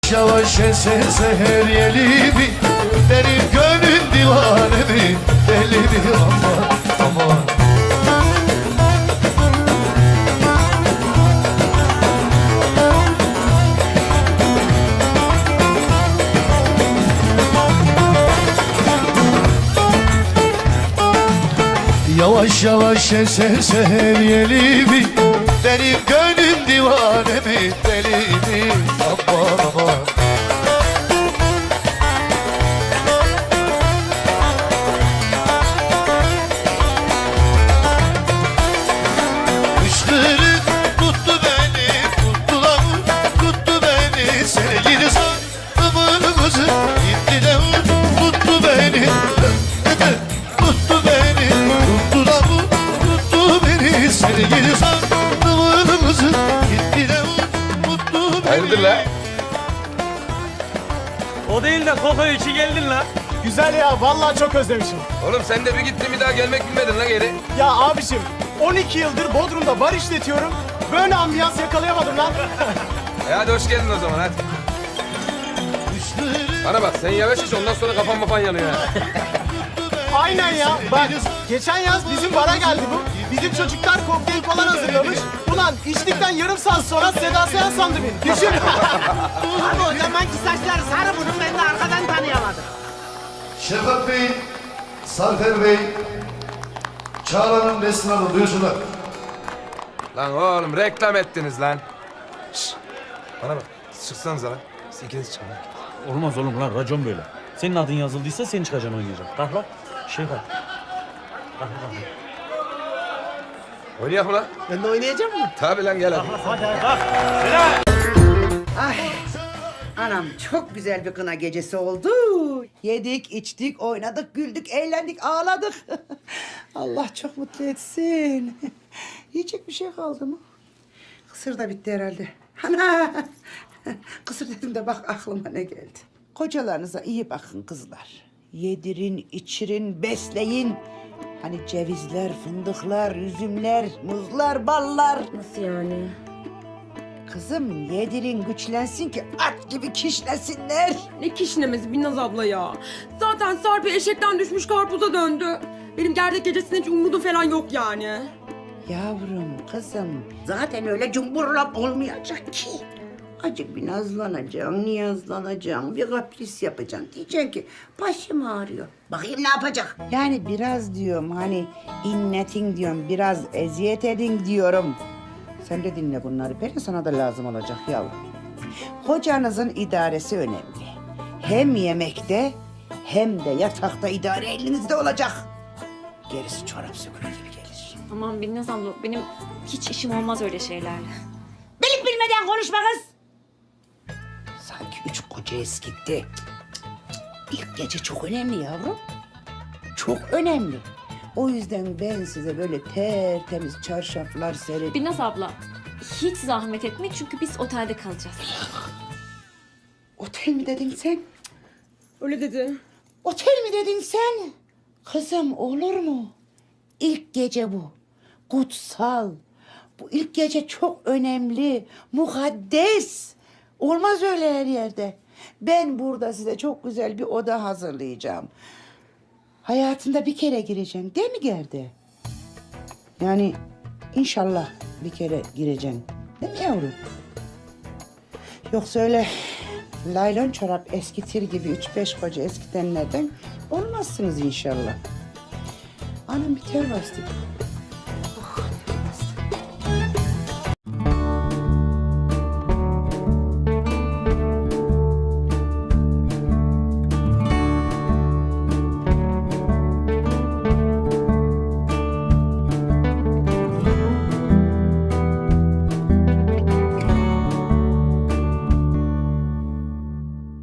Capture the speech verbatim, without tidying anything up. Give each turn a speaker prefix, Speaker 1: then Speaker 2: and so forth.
Speaker 1: Yavaş esen seher yeli mi? Benim gönlüm divane mi? Deli mi? Aman aman. Yavaş yavaş esen seher yeli mi? Benim gönlüm divane mi? Deli mi? Aman aman. Kışkırık tuttu beni, tuttular, tuttu beni. Sevgili sanımımızı gitti de tuttu beni. Tuttu beni, tuttular, tuttu beni. Sevgili sanımımızı gitti de tuttu beni.
Speaker 2: Hayırdır la?
Speaker 3: O değil de Koko içi geldin la.
Speaker 4: Güzel ya, vallahi çok özlemişim.
Speaker 2: Oğlum sen de bir gittin bir daha gelmek bilmedin lan geri.
Speaker 4: Ya abiciğim, on iki yıldır Bodrum'da bar işletiyorum. Böyle ambiyans yakalayamadım lan.
Speaker 2: E hadi hoş geldin o zaman hadi. Bana bak sen yavaş iç ondan sonra kafan mafan yanıyor ha.
Speaker 4: Aynen ya. Bak, geçen yaz bizim bara geldi bu. Bizim çocuklar kokteyl falan hazırlamış. Ulan içtikten yarım saat sonra Seda Sayan sandı beni. Düşün.
Speaker 5: Abi o zamanki saçlar sarı bunun, ben de arkadan tanıyamadım.
Speaker 1: Şefkat Bey, Sarfer Bey, Çağla'nın Nesrin Hanım duyursunlar.
Speaker 2: Lan oğlum reklam ettiniz lan. Şşş bana bak çıksanıza lan. Siz ikiniz çıkın lan.
Speaker 3: Olmaz oğlum lan racon böyle. Senin adın yazıldıysa sen çıkacaksın oynayacak. Kalk lan. Şey kalk. Kalk kalk.
Speaker 2: Oynayalım lan.
Speaker 5: Ben de oynayacağım mı?
Speaker 2: Tabii lan gel hadi.
Speaker 3: Hadi kalk.
Speaker 6: Ay, anam çok güzel bir kına gecesi oldu. Yedik, içtik, oynadık, güldük, eğlendik, ağladık. Allah çok mutlu etsin. Yiyecek bir şey kaldı mı? Kısır da bitti herhalde. Ana! Kısır dedim de bak aklıma ne geldi. Kocalarınıza iyi bakın kızlar. Yedirin, içirin, besleyin. Hani cevizler, fındıklar, üzümler, muzlar, ballar.
Speaker 7: Nasıl yani?
Speaker 6: Kızım yedirin güçlensin ki at gibi kişnesinler.
Speaker 7: Ne kişnemesi Binnaz abla ya. Zaten Sarpi eşekten düşmüş karpuza döndü. Benim gerdek gecesinde hiç umudum falan yok yani.
Speaker 6: Yavrum kızım zaten öyle cumburlap olmayacak ki. Acık bir nazlanacaksın, niyazlanacaksın, bir kapris yapacaksın. Diyeceksin ki başım ağrıyor. Bakayım ne yapacak? Yani biraz diyorum hani inletin diyorum, biraz eziyet edin diyorum. Sen de dinle bunları. Peri sana da lazım olacak yavrum. Kocanızın idaresi önemli. Hem yemekte hem de yatakta idare elinizde olacak. Gerisi çorap sökülür gibi gelir.
Speaker 8: Aman Binnaz abla benim hiç işim olmaz öyle şeylerle.
Speaker 6: Bilip bilmeden konuşma kız. Sanki üç koca eskitti. İlk gece çok önemli yavrum. Çok önemli. O yüzden ben size böyle tertemiz çarşaflar sererim.
Speaker 8: Binnaz abla hiç zahmet etme çünkü biz otelde kalacağız.
Speaker 6: Otel mi dedin sen?
Speaker 7: Öyle dedi.
Speaker 6: Otel mi dedin sen? Kızım olur mu? İlk gece bu. Kutsal. Bu ilk gece çok önemli. Mukaddes. Olmaz öyle her yerde. Ben burada size çok güzel bir oda hazırlayacağım. Hayatında bir kere gireceksin değil mi Gerde? Yani inşallah bir kere gireceksin. Değil mi yavrum? Yoksa öyle laylon çorap eskitir gibi üç beş koca eskitenlerden olmazsınız inşallah. Anam bir ter bastı.